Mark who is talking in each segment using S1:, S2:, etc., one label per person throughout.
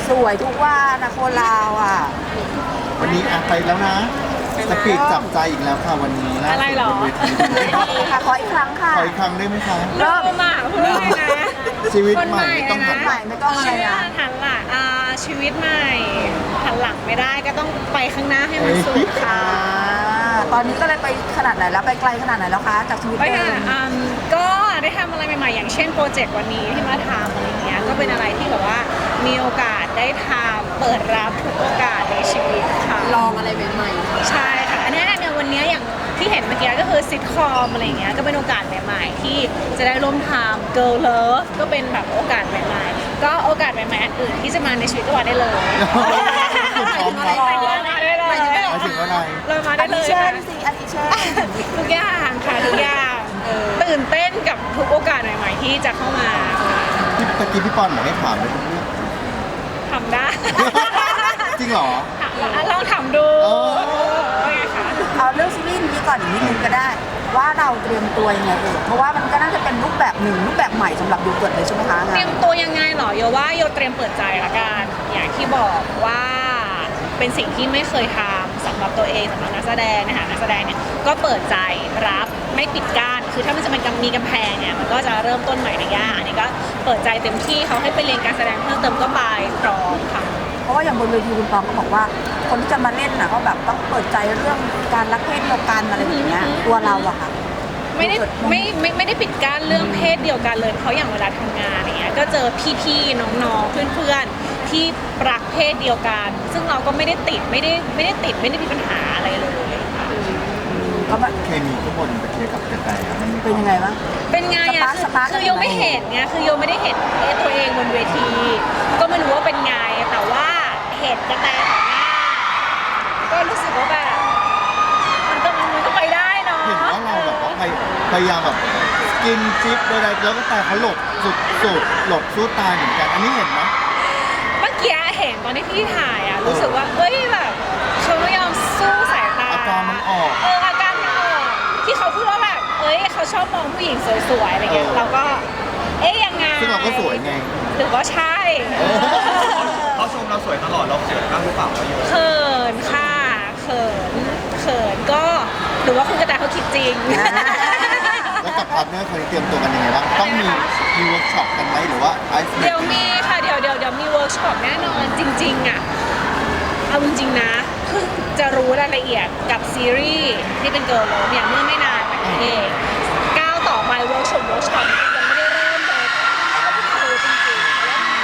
S1: สวยทุกวันนะคนเราอ่ะ
S2: วันนี้ไปแล้วนะสปีดจับใจอีกแล้วค่ะวันนี้นะอะไรหรอ
S1: ดีค่ะขออีกครั้งค่ะ
S2: ขออีกครั้งได้ไหมคะ
S3: เริ่มอ่ะพูดเลยนะ
S2: ชีวิตใหม่ไม่ต้องหันหลัง
S1: ไม่ต้องอะไรนะ
S3: หันหลังชีวิตใหม่หันหลังไม่ได้ก็ต้องไปข้างหน้าให้มันสุดค่ะ
S1: ตอนนี้ก็เลยไปขนาดไหนแล้วไปไกลขนาดไหนแล้วคะจากชีวิต
S3: ไป
S1: เดิม
S3: ก็ได้ทำอะไรใหม่ๆอย่างเช่นโปรเจกต์วันนี้ที่มาทำอะไรเงี้ยก็เป็นอะไรที่แบบว่ามีโอกาสได้ทำเปิดรับทุกโอกาสในชีวิตค่ะ
S1: ลองอะไรใหม่
S3: ๆใช่ค่ะอันนี้เนี่ยวันนี้อย่างที่เห็นเมื่อกี้ก็คือซิทคอมอะไรเงี้ยก็เป็นโอกาสใหม่ๆที่จะได้ร่วมทำ Girl Love ก็เป็นแบบโอกาสใหม่ๆก็โอกาสใหม่ๆอันอื่นที่จะมาในชีวิตก็มาได้เลย
S2: มาถึงอะไร
S3: เรามาได้เลย
S1: ค่ะ
S3: ทุกอย่างค่ะทุกอย่างตื่นเต้นกับทุกโอกาสใหม่ๆที่จะเข้ามา
S2: ที่ตะกี้พี่ปอนบอกให้ถามเลยทุกเรื่อง
S3: ทำได้
S2: จริงเหรอ
S3: ลองทำดู
S1: เอาเรื่องซีรีส์นี้ก่อนอีกนิดนึงก็ได้ว่าเราเตรียมตัวยังไงเพราะว่ามันก็น่าจะเป็นรูปแบบหนึ่งรูปแบบใหม่สำหรับโยเกิร์ตเลยใช่ไหมคะ
S3: เตรียมตัวยังไงหรอโยว่าโยเตรียมเปิดใจละกันอย่างที่บอกว่าเป็นสิ่งที่ไม่เคยทำสำหรับตัวเองสำหรับนักแสดงนะคะนักแสดงเนี่ยก็เปิดใจรับไม่ปิดกั้นคือถ้ามันจะเป็นมีกำแพงเนี่ยมันก็จะเริ่มต้นใหม่ในย่าอันนี้ก็เปิดใจเต็มที่เขาให้ไปเรียนการแสดงเพิ่มเติมก็ไปพร้อมค่ะ
S1: เพราะว่าอย่างบนเวทีคุณปองก็บอกว่าคนที่จะมาเล่นน่ะก็แบบต้องเปิดใจเรื่องการรักเพศเดียวกันอะไรอย่างเงี้ยตัวเราอะค่ะ
S3: ไม่ได้ปิดกั้นเรื่องเพศเดียวกันเลยเพราะอย่างเวลาทำงานอย่างเงี้ยก็เจอพี่ๆน้องๆเพื่อนๆที่รักเพศเดียวกันซึ่งเราก็ไม่ได้ติดไม่ได้มีปัญหาอะไรเลย
S1: เขาแบบ
S2: เคมีทุกคนไปเทียบกับกระแต
S1: เป็นยังไงบ้าง
S3: เป็นไงอะคือโยไม่เห็นไงคือโยไม่ได้เห็นตัวเองบนเวทีก็ไม่รู้ว่าเป็นไงแต่ว่าเห็นกระแตต่อหน้าก็รู้สึกว่าแบบมันก็ไปได้เนาะ
S2: เห็นว่าเราแบบว่าพยายามแบบกินจิ๊บใดๆแล้วก็แต่เขาหลบสุดหลบสู้ตายเหมือนกันอันนี้เห็นไหม
S3: เมื่อกี้เห็นตอนที่พี่ถ่ายอะรู้สึกว่าเฮ้ยแบบเขาไม่ยอมสู้สายตา
S2: อาการมันออก
S3: อาการมันออกที่เขาพูดว่าแบบเขาชอบมองผู้หญิงสวยๆอะไรเงี้ยเราก็ยังไง
S2: ซึ่งเราก็สวยไง
S3: หรือว่าใช่
S4: เขาชมเราสวยตลอดเราเขินบ้างหรือเปล่าเราอยู่
S3: เขินค่ะเขินก็หรือว่าคุณกระแตเขาคิดจริง
S2: แล้วกับพาร์ทเนอร์คนนี้เตรียมตัวกันยังไงบ้างต้องมีเวิร์กช็อปกันไหมหรือว่า
S3: เดี๋ยวมีค่ะเดี๋ยวมีเวิร์กช็อปแน่นอนจริงๆอ่ะเอาจริงๆนะเพิ่งจะรู้รายละเอียดกับซีรีส์ที่เป็นเกิร์ลเลิฟอย่างเมื่อไม่นานมานี้เองก้าวต่อไปเวิร์กช็อปยังไม่ได้เริ่มเลยก็เพิ่งรู้จริงๆ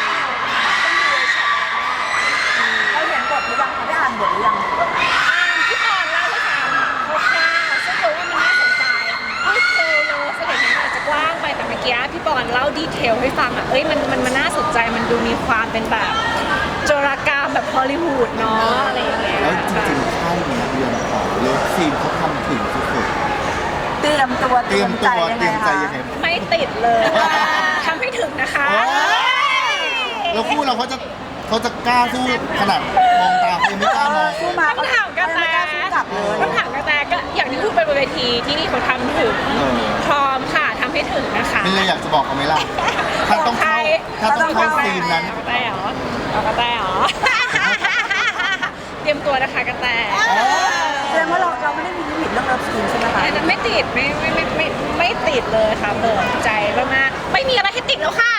S1: เราเห็นบทหรือยังได้อ่านบทหรือยัง
S3: พี่ปอนเล่าให้ฟังคร่าวๆซึ่งรู้ว่ามันน่าสนใจพูดเร็วเลยแสดงว่าอาจจะกว้างไปแต่เมื่อกี้พี่ปอนเล่าดีเทลให้ฟังอ่ะมันน่าสนใจมันดูมีความเป็นแบบโจรกรรมแบบฮอลลีวูดเนาะอะไรอย่างเงี้ย
S2: แล้วจริงๆค่ายนี้เรียนต่อเลิฟซีนเขาทำถึงสุด
S1: เตรียมใจยังไง
S3: ไม่ติดเลยทำให้ถึงนะคะ
S2: แล้วคู่เราเขาจะกล้าสู้ขนาดมองตาไม่กล้ามอง
S1: สู้มา
S3: ต้องถามกระแตก็อย่างที่พูดไปบนเวทีที่นี่เขาทำถึงพร้อมค่ะทำให้ถึงนะคะ
S2: ไม่เลยอยากจะบอกเขาไหมล่ะถ้าต้องเข้าซีนนั้น
S3: กระแตเหรอเตรียมตัวนะคะกระแต
S1: แสดงว่าเราไม่ได้มีลิมิตเรื่องเลิฟซีนใช่ไหมคะ
S3: ไม่ติดไม่ติดเลยค่ะเปิดใจมากๆไม่มีอะไรให้ติดแล้วค่ะ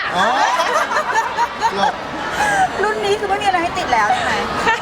S1: รุ่นนี้คือไม่มีอะไรให้ติดแล้วใช่ไหม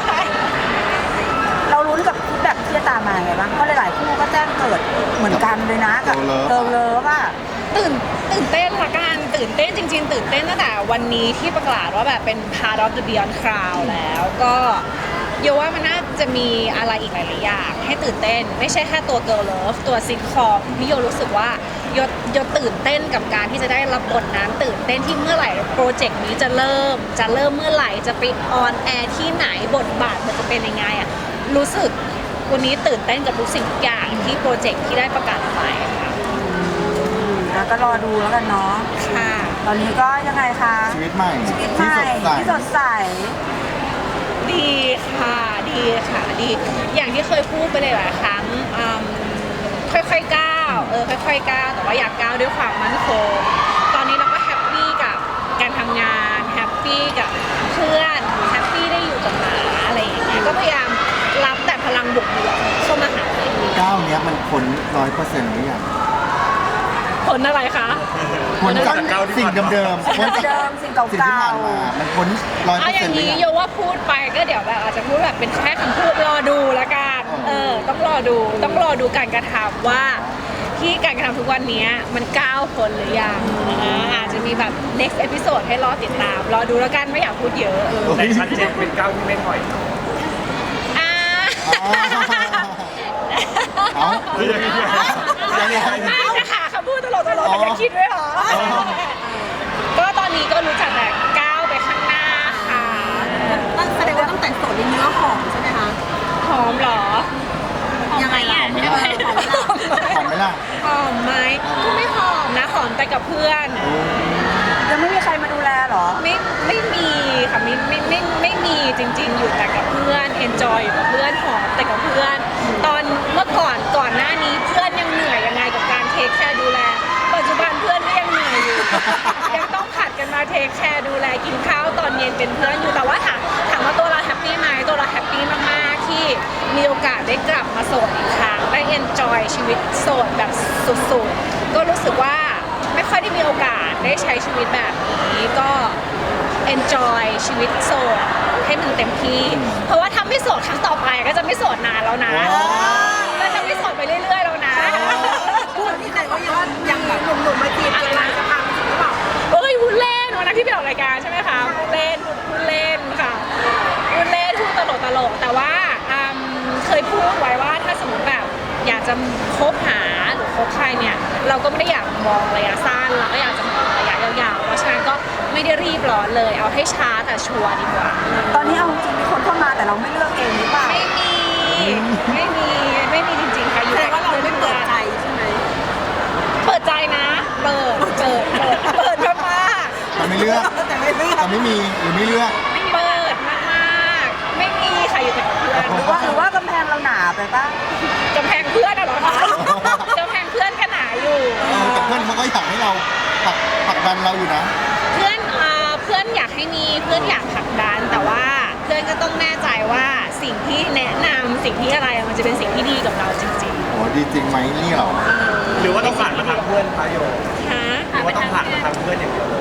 S1: เราลุ้นกับแบบที่จะตามมาไงบ้างเพราะหลายๆคู่ก็แจ้งเกิดเหมือนกันเลยนะกับเลิฟอ่ะ
S3: ตื่นเต้นละกันตื่นเต้นจริงๆตื่นเต้นตั้งแต่วันนี้ที่ประกาศว่าแบบเป็น Part of the Beyond Cloud แล้วก็โยว่ามันน่าจะมีอะไรอีกหลายๆอย่างให้ตื่นเต้นไม่ใช่แค่ตัว Girl Love ตัวซิทคอมที่โยรู้สึกว่าโยตื่นเต้นกับการที่จะได้รับบทนั้นตื่นเต้นที่เมื่อไหร่โปรเจกต์นี้จะเริ่มเมื่อไหร่จะไปออนแอร์ที่ไหนบทบาทมันจะเป็นยังไงอ่ะรู้สึกวันนี้ตื่นเต้นกับทุกสิ่งทุกอย่างที่โปรเจกต์ที่ได้ประกาศไป
S1: ค่ะก็รอดูแล้วกันเนาะ
S3: ค่ะ
S1: ตอนนี้ก็ยังไงคะ
S2: ชีวิตใหม่
S1: ที่สดใส
S3: ดีค่ะดีอย่างที่เคยพูดไปเลยหลายครั้งค่อยๆก้าวค่อยๆก้าวแต่ว่าอยากก้าวด้วยความมั่นคงตอนนี้เราก็แฮปปี้กับการทำงานแฮปปี้กับเพื่อนแฮ
S2: 100%หรือยัง
S3: ผลอะไรคะ
S2: พ้นจากสิ่งเดิมๆพ้นจาก
S1: เดิมสิ่งเก่าๆ
S2: สิ่งที่ผ่านมามันพ้น
S3: เอาอย่าง
S2: 100%หรือ
S3: นี้
S2: ยัง
S3: โยว่าพูดไปก็เดี๋ยวแบบอาจจะพูดแบบเป็นแค่คำพูดรอดูละกันต้องรอดูการกระทำว่าที่การกระทำทุกวันนี้มันก้าวพ้นหรือยังอาจจะมีแบบ next episode ให้รอติดตามรอดูแล้วกันไม่อยากพูดเยอะ
S4: แต่ชัดเจนเป็นก้าวที่ไม่ถอย
S3: อ่า
S2: เอา
S3: จะหาคำพูดตลกแต่จะคิดด้วยเหรอ ก็ตอนนี้ก็รู้จักแต่ก้าวไปข้างหน้าค่ะ
S5: แสดงว่าตั้งแต่โสดในเนื้อหอมใช่ไหมคะ
S3: หอมเหรอ
S5: ยังไงล่ะ
S2: หอมไหมล่ะ
S3: หอมไหมก็ไม่หอมนะหอมแต่กับเพื่อน
S1: ยังไม่มีใครมาดูแลเหรอ
S3: ไม่มีค่ะไม่มีจริง ๆ อยู่แต่กับเพื่อน enjoy อยู่กับเพื่อนหอมแต่กับเพื่อน ตอนเมื่อก่อนหน้านี้เพื่อนยังเหนื่อยยังไงกับการเทคแคร์ดูแล ปัจจุบันเพื่อนก็ยังเหนื่อยอยู่ ยังต้องผัดกันมาเทคแคร์ดูแลกินข้าวตอนเย็นเป็นเพื่อนอยู่แต่ว่าถามว่าตัวเราแฮปปี้ไหมตัวเราแฮปปี้มากๆที่มีโอกาสได้กลับมาโสดอีกครั้งได้ enjoy ชีวิตโสดแบบสุดๆก็รู้สึกว่าไม่ค่อยได้มีโอกาสได้ใช้ชีวิตแบบนี้ก็ enjoy ชีวิตโสดให้มันเต็มที่ เพราะว่าถ้าไม่โสดครั้งต่อไปก็จะไม่โสดนานแล้วนะก็จะไม่โสดไปเรื่อยๆแล้วนะ
S5: พูดที่ไหนก็ยังแบบหนุ่มๆมาจีบกันมาจะทำหรือเปล่า
S3: เอ้ยพูดเล่นวันนั้นที่ไปออกรายการใช่ไหมคะพูดเล่นค่ะพูดเล่นพูดตลกแต่ว่าเคยพูดไว้ว่าถ้าสมมติแบบอยากจะคบหาหรือคบใครเนี่ยเราก็ไม่ได้อยากมองระยะสั้นเราก็อยากจะมองระยะยาวๆเพราะฉะนั้นก็ไม่ได้รีบร้อนเลยเอาให้ช้าแต่ชัวร์ดีกว่า
S1: ตอนนี้เอาจริงมีคนเข้ามาแต่เราไม่เลือกเองหรือเปล่า
S3: ไม่มีจริงๆค่ะอยู่
S5: แสดงว่าเราไม่เปิดใจใช่ไหม
S3: เปิดใจนะเปิดมาก
S2: แต่ไม่เลือก
S5: แต่ไม่เลือก
S2: แต่ไม่มีหรือไม่เลือก
S3: ๆเปิดมากๆไม่มีค่ะอยู่แต่กับเพื่อน
S1: หรือว่ากำแพงเราหนาไปป่ะ
S3: กำแพงเพื่อนอะเหรอคะกำแพงเพื่อนก็หนาอยู่
S2: แต่เพื่อนเขาก็อยากให้เราผลักดันเราอยู่นะ
S3: เพื่อนอยากให้มีเพื่อนอยากผลักดันแต่ว่าเพื่อนก็ต้องแน่ใจว่าสิ่งที่แนะนำสิ่งที่อะไรมันจะเป็นสิ่งที่ดีกับเราจริง
S2: โอ้ดีจริงไหมนี่เหรอ
S4: หรือว่าต้องผ่านมาทางเพื่อนคะโย
S3: ๆฮะ
S4: หรือว่าต้องผ่านมาทางเพื่อนอย่างเดียวเลย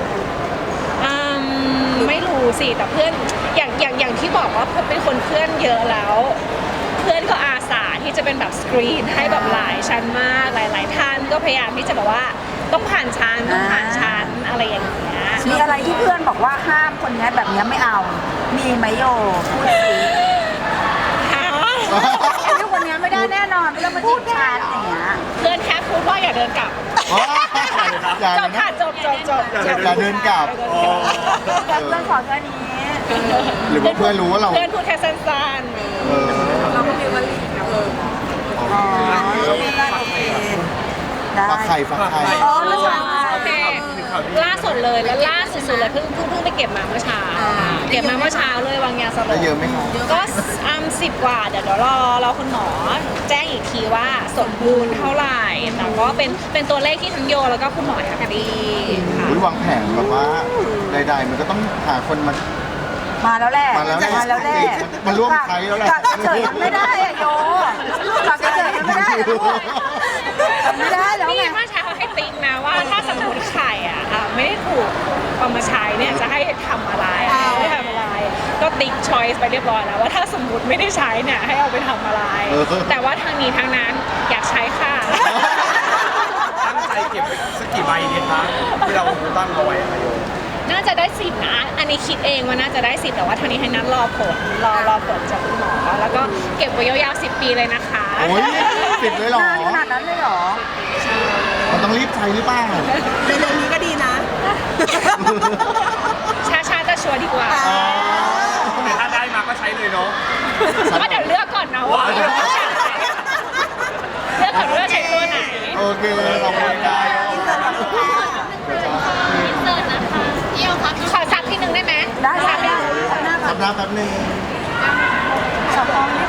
S3: ไม่รู้สิแต่เพื่อนอย่างที่บอกว่าเป็นคนเพื่อนเยอะแล้ว เพื่อนก็อาสาที่จะเป็นแบบสกรีนให้แบบหลายชั้นมากหลายๆท่านก็พยายามที่จะแบบว่าต้องผ่านชั้นอะไรอย่างเงี้ย
S1: มีอะไรที่เพื่อนบอกว่าห้ามคนนี้แบบนี้ไม่เอา มีไหมโยพูดสิ
S3: ฮะ
S1: ไอ้เรื่องคนนี้ไม่ได้แน่นอนไม่ต้องมาจีบฉันอย่างเงี้ย
S3: เพื่อนแค่พูดว่าอย่าเดินกลับ
S2: อย่า
S3: จบค่ะจบ
S2: อย่าเดินกลับ
S1: แต่เพื่อนขอแค่นี้
S2: หรือว่าเพื่อนรู้ว่าเรา
S3: เพื่อนพูดแค่สั้น
S2: เออ
S5: เราก็มีวันลีนะ
S1: อ๋อโอเคได้
S2: ฝักไข่ฝักไข่
S1: อ๋อแล้วฉัน
S3: ๆโอเคล่าสุดเลยแล้วล่าสุดๆเลยเพิ่งไปเก็บมาเมื่อเช้าเก็บมาเมื่อเช้าเลยวางยาสล
S2: ได้
S3: บ
S2: เยอะไหมคะ
S3: ก็10 กว่าเดี๋ยวรอคุณหมอแจ้งอีกทีว่าสมบูรณ์เท่าไหร่แต่ก็เป็นตัวเลขที่ทั้งโยแล้วก็คุณหมอแฮปปี้ค่ะ
S2: อุ๊ยวางแผนแบบว่าใดๆมันก็ต้องหาคนมา
S1: มาแล้วแหละ
S2: มาแล้วแหละ
S1: แล้วแหละ
S2: มันร่วมใช้แล้วแหละ
S1: กะเฉยมันไม่ได้อะโยกะเฉยมันไม่ได้อะลูกไม่ได้แล้ว
S3: นี่
S1: ไง
S3: เมื่อเช้าให้ติ๊กนะว่าถ้าสมมติไข่ไม่ได้ถูกเอามาใช้เนี่ยจะให้ทำอะไรไม่ทำอะไร ก็ติ๊กช้อยส์ไปเรียบร้อยแล้วว่าถ้าสมมติไม่ได้ใช้เนี่ยให้เอาไปทำอะไร แต่ว่าทางนี้ทางนั้นอยากใช้ค่ะ
S4: ตั้งใจเก็บไปสักกี่ใบดีคะที่เราตั้งเอาไว้อะโย
S3: น่าจะได้10นะอันนี้คิดเองว่าน่าจะได้10แต่ว่าทางนี้ให้นัดรอผลจากคุณหมอแล้วก็เก็บไว้ยาวๆ10 ปีเลยนะคะ
S2: โอ้ย10เลยเหรอน
S1: านขนาดนั้นเลยเหรอ
S2: มันต้องรีบใช้หรือเปล่า
S5: ในเรื่องนี้ก็ดีนะ
S3: ช้าๆจะชัวร์ดีกว่า
S4: แต่ถ้าได้มาก็ใช้เลยเนาะ
S3: ก็เดี๋ยวเลือกก่อนนะว่าเลือกก่อนว่าใช้ตัวไหน
S2: โอเคขอบคุณค่ะ
S3: ขอซักทีนึงได้ไหม
S1: ได้
S3: ซัก
S1: ได้
S3: นิดนึง
S1: หน้าก่อน
S2: ทำหน้าแป๊บนึง
S1: สองฟองนี่